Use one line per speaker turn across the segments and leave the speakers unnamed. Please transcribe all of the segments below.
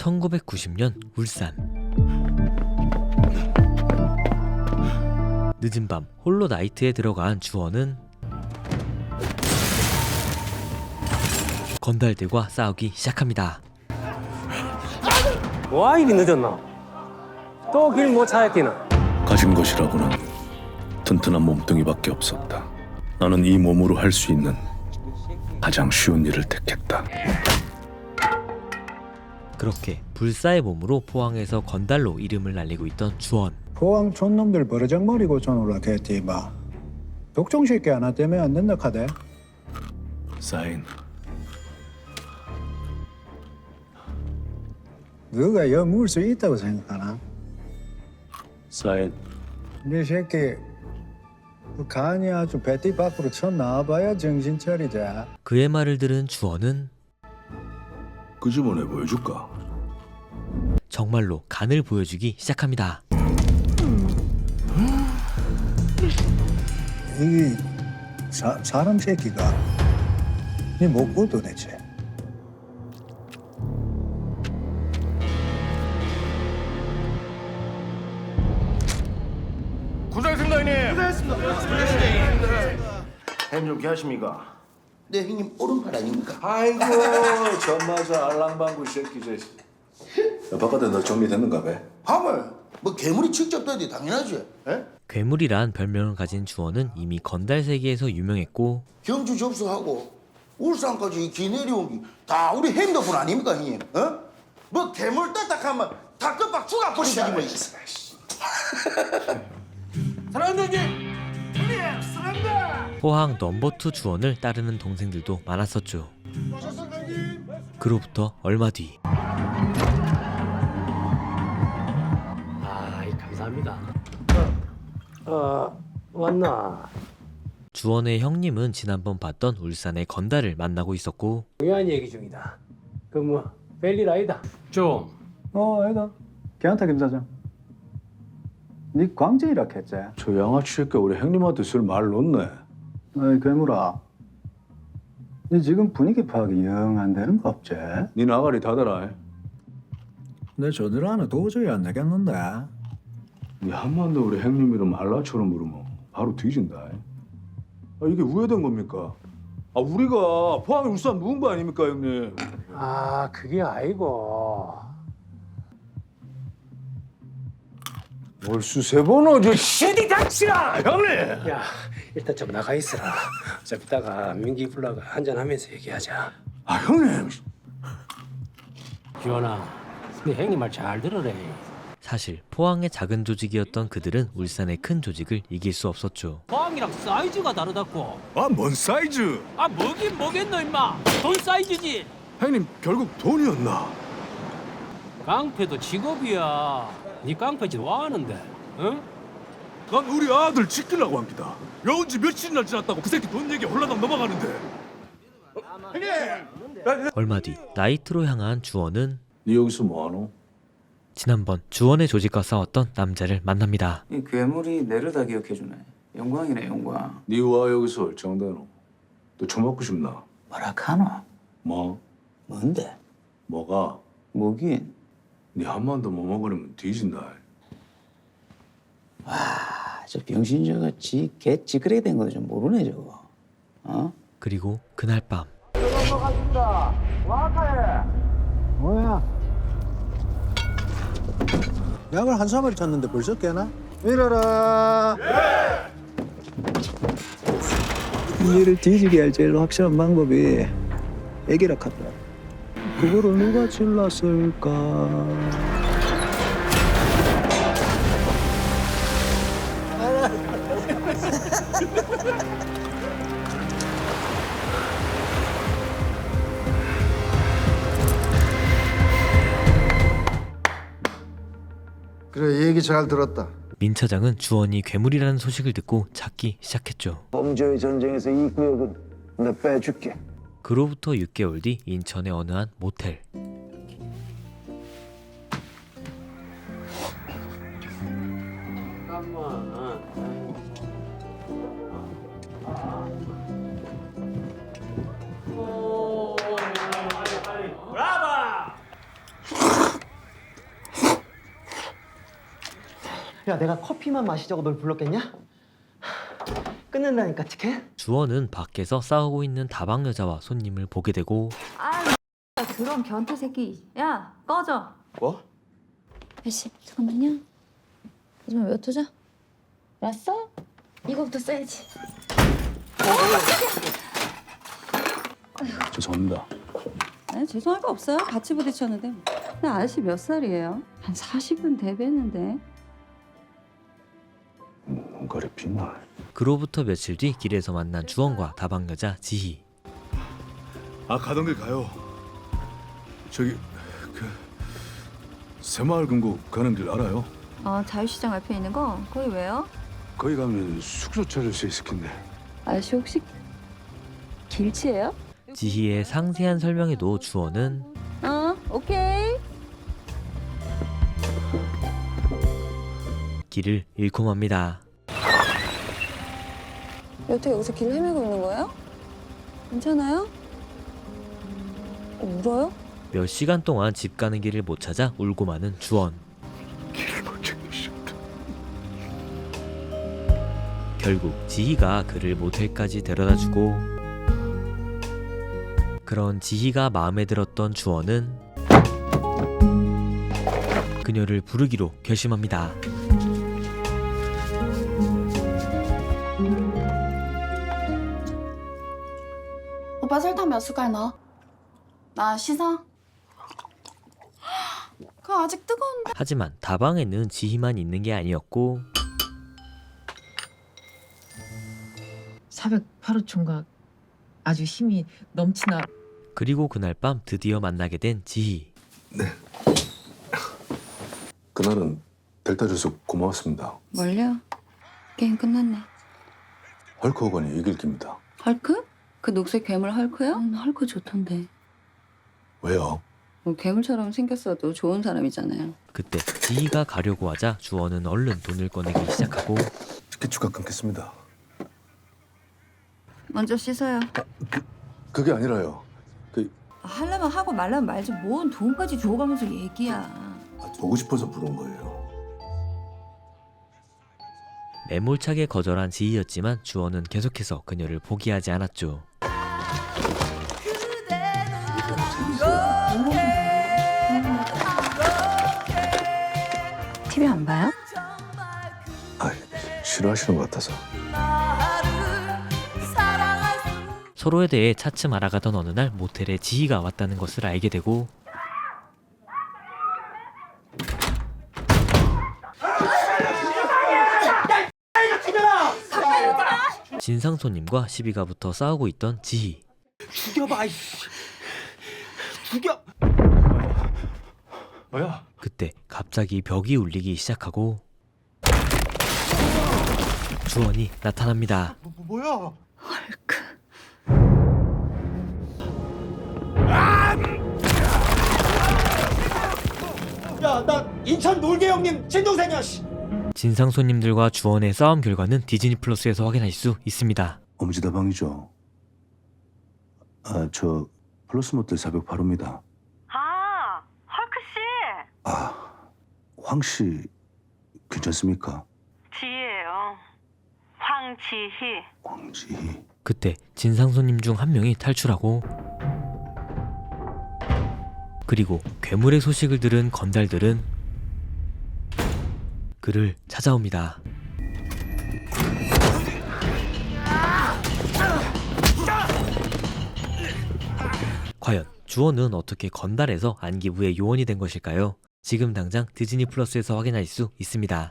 1990년 울산. 늦은 밤 홀로 나이트에 들어간 주원은 건달들과 싸우기 시작합니다.
와 이리 늦었나? 또 길 못 찾았기나?
가진 것이라고는 튼튼한 몸뚱이밖에 없었다. 나는 이 몸으로 할 수 있는 가장 쉬운 일을 택했다.
그렇게 불사의 몸으로 포항에서 건달로 이름을 날리고 있던 주원.
포항 촌놈들 버르장머리고 전 올라겠지 마. 독종 새끼 하나 때문에 안 된다 카대.
사인.
너가 여 물 수 있다고 생각하나?
사인.
네 새끼 그 간이 아주 배띠 밖으로 쳐 나와봐야 정신 차리지.
그의 말을 들은 주원은
그 집안에 보여줄까?
정말로 간을 보여주기 시작합니다.
이 사람 새끼가 네 뭐고 도대체?
고생했습니다 형님. 형님 좀 계십니까?
네 형님 오른팔 아닙니까?
아이고 전마저 알랑방구 새끼 저. 바깥에 너 정리됐는가 봐.
밤을 뭐 괴물이 직접 떠야 당연하지. 에?
괴물이란 별명을 가진 주원은 이미 건달 세계에서 유명했고
경주 접수하고 울산까지 기 내려온 게 다 우리 형님 덕분 아닙니까 형님? 어? 뭐 괴물 딱딱하면 다 끝박 죽어버리지 뭐.
사랑한다 형님. 형님 사랑한다.
포항 넘버2 주원을 따르는 동생들도 많았었죠. 그로부터 얼마 뒤
아이 감사합니다. 왔나?
주원의 형님은 지난번 봤던 울산의 건달을 만나고 있었고
중요한 얘기 중이다. 그 뭐 별일 아니다. 좀
아니다. 걔한테 김 사장. 네 광재이라 했지?
저 양아치 새끼 우리 형님한테 쓸 말 놓네.
어이 괴물아. 네 지금 분위기 파악이 영 안 되는 거 없지?
네 나가리 닫아라.
내 저들 하나 도저히 안 되겠는데.
네 한번 더 우리 형님 이름 알라처럼 부르면 바로 뒤진다. 이게 우회된 겁니까? 우리가 포항에 울산 누군 거 아닙니까 형님?
아 그게 아니고
월수 세 번 오죠. 시디 닥치라 형님.
야 일단 좀 나가 있어라. 좀 이따가 민기 불러가 한잔하면서 얘기하자.
형님.
주원아 네 형님 말 잘 들으래.
사실 포항의 작은 조직이었던 그들은 울산의 큰 조직을 이길 수 없었죠.
포항이랑 사이즈가 다르다고.
뭔 사이즈?
뭐긴 뭐겠노 임마. 돈 사이즈지.
형님 결국 돈이었나?
깡패도 직업이야. 네 깡패짓 와하는데 응?
난 우리 아들 지키려고 합니다. 여운 지 며칠이나 지났다고 그 새끼 돈 얘기 홀라당 넘어가는데.
얼마 뒤 나이트로 향한 주원은
네 여기서 뭐하노?
지난번 주원의 조직과 싸웠던 남자를 만납니다.
이 괴물이 내려다 기억해주네. 영광이네 영광.
네와 여기서 얼짱대노. 너 처먹고 싶나?
뭐라카노?
뭐?
뭔데?
뭐가?
뭐긴?
네 한 번 더 못 먹으려면 뒤진다.
저 병신 저거 개 찌그레 된 거 좀 모르네 저거. 어?
그리고 그날 밤
뭐야? 약을 한 사마리 쳤는데 벌써 깨나? 일어라. 니를 뒤지게 할 제일 확실한 방법이 애기라 카다. 그거를 누가 질렀을까?
그래 얘기 잘 들었다.
민 차장은 주원이 괴물이라는 소식을 듣고 찾기 시작했죠.
범죄의 전쟁에서 이 구역은 내 빼줄게.
그로부터 6개월 뒤 인천의 어느 한 모텔.
야, 내가 커피만 마시자고 널 불렀겠냐? 끝낸다니까, 티켓?
주원은 밖에서 싸우고 있는 다방 여자와 손님을 보게 되고
그런 변태 새끼. 야, 꺼져.
뭐?
아저씨, 잠깐만요. 하지만 몇 호죠? 왔어? 이거부터 써야지.
죄송합니다.
아니, 죄송할 거 없어요. 같이 부딪혔는데. 근데 아저씨 몇 살이에요? 한 40은 대배는데.
뭔가를 비나.
그로부터 며칠 뒤 길에서 만난 주원과 다방 여자 지희.
아, 가던 길 가요. 저기 그 새마을 금고 가는 길 알아요?
자유시장 앞에 있는 거? 거기 왜요?
거기 가면 숙소 찾을 수 있을 텐데.
아저씨 혹시 길치예요?
지희의 상세한 설명에도 주원은
오케이.
길을 잃고 맙니다.
어떻게 여기서 길 헤매고 있는 거예요? 괜찮아요? 울어요?
몇 시간 동안 집 가는 길을 못 찾아 울고 마는 주원.
길을 못 찾겠습니다.
결국 지희가 그를 모텔까지 데려다주고 그런 지희가 마음에 들었던 주원은 그녀를 부르기로 결심합니다.
오빠 설탕 몇 숟갈 넣어? 나 씻어? 그거 아직 뜨거운데.
하지만 다방에는 지희만 있는 게 아니었고
408호 총각 아주 힘이 넘치나.
그리고 그날 밤 드디어 만나게 된 지희.
그날은 델타 줘서 고마웠습니다.
뭘요? 게임 끝났네.
헐크 호건이 이길 깁니다.
헐크? 그 녹색 괴물 헐크요? 헐크 좋던데.
왜요?
뭐 괴물처럼 생겼어도 좋은 사람이잖아요.
그때 지희가 가려고 하자 주원은 얼른 돈을 꺼내기 시작하고
티켓 추가 끊겠습니다.
먼저 씻어요.
그게 아니라요.
하려면 하고 말려면 말지 뭔 돈까지 줘가면서 얘기야.
보고 싶어서 부른 거예요.
매몰차게 거절한 지희였지만 주원은 계속해서 그녀를 포기하지 않았죠.
TV 안 봐요?
아, 싫어하시는 것 같아서.
서로에 대해 차츰 알아가던 어느 날 모텔에 지희가 왔다는 것을 알게 되고 진상 손님과 시비가 붙어 싸우고 있던 지희.
죽여봐, 이씨. 죽여!
뭐야?
그때 갑자기 벽이 울리기 시작하고 주원이 나타납니다.
뭐야? 야, 나 인천 놀개 형님 친동생이야, 씨.
진상 손님들과 주원의 싸움 결과는 디즈니 플러스에서 확인할 수 있습니다.
엄지다방이죠. 아, 저 플러스 모텔 408호입니다.
아, 헐크 씨.
아, 황 씨 괜찮습니까?
지혜예요. 황지희.
황지희.
그때 진상 손님 중 한 명이 탈출하고 그리고 괴물의 소식을 들은 건달들은 그를 찾아옵니다. 과연 주원은 어떻게 건달에서 안기부의 요원이 된 것일까요? 지금 당장 디즈니 플러스에서 확인할 수 있습니다.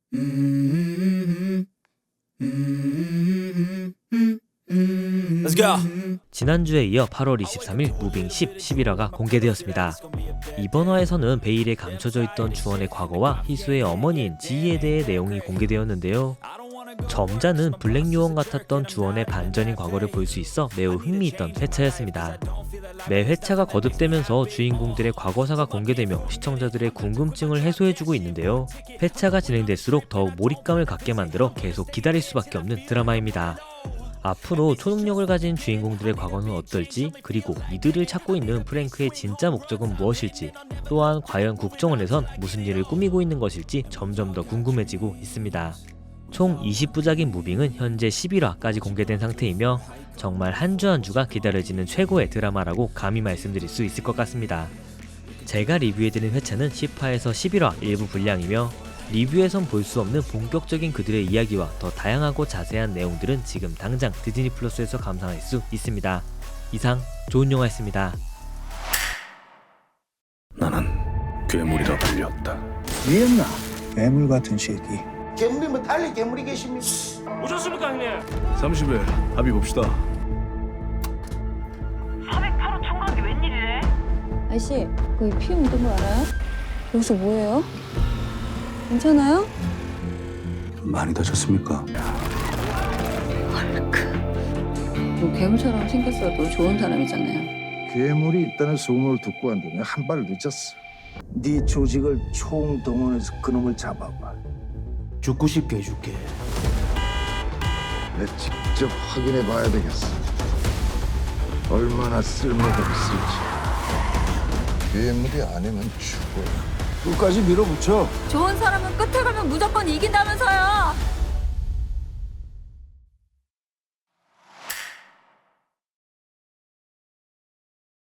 Let's go.
지난주에 이어 8월 23일 무빙 10, 11화가 공개되었습니다. 이번 화에서는 베일에 감춰져 있던 주원의 과거와 희수의 어머니인 지희에 대해 내용이 공개되었는데요. 점자는 블랙 요원 같았던 주원의 반전인 과거를 볼 수 있어 매우 흥미있던 회차였습니다. 매 회차가 거듭되면서 주인공들의 과거사가 공개되며 시청자들의 궁금증을 해소해주고 있는데요. 회차가 진행될수록 더욱 몰입감을 갖게 만들어 계속 기다릴 수밖에 없는 드라마입니다. 앞으로 초능력을 가진 주인공들의 과거는 어떨지, 그리고 이들을 찾고 있는 프랭크의 진짜 목적은 무엇일지, 또한 과연 국정원에선 무슨 일을 꾸미고 있는 것일지 점점 더 궁금해지고 있습니다. 총 20부작인 무빙은 현재 11화까지 공개된 상태이며 정말 한 주 한 주가 기다려지는 최고의 드라마라고 감히 말씀드릴 수 있을 것 같습니다. 제가 리뷰해드린 회차는 10화에서 11화 일부 분량이며 리뷰에선 볼 수 없는 본격적인 그들의 이야기와 더 다양하고 자세한 내용들은 지금 당장 디즈니 플러스에서 감상할 수 있습니다. 이상 좋은 영화였습니다.
나는 괴물이라 불렸다.
미였나? 괴물 같은 새끼.
괴물이 뭐 달리 괴물이 계십니까?
오셨습니까 형님?
30일 합의 봅시다.
408호 청각이 웬일이래? 아저씨, 거기 피 묻은 거 알아요? 여기서 뭐해요? 괜찮아요?
많이 다쳤습니까?
뭐 괴물처럼 생겼어도 좋은 사람이잖아요.
괴물이 있다는 소문을 듣고 왔더니 한 발 늦었어. 네 조직을 총동원해서 그놈을 잡아봐.
죽고 싶게 해줄게.
내 직접 확인해 봐야 되겠어. 얼마나 쓸모가 있을지. 괴물이 아니면 죽어. 끝까지 밀어붙여.
좋은 사람은 끝에 가면 무조건 이긴다면서요.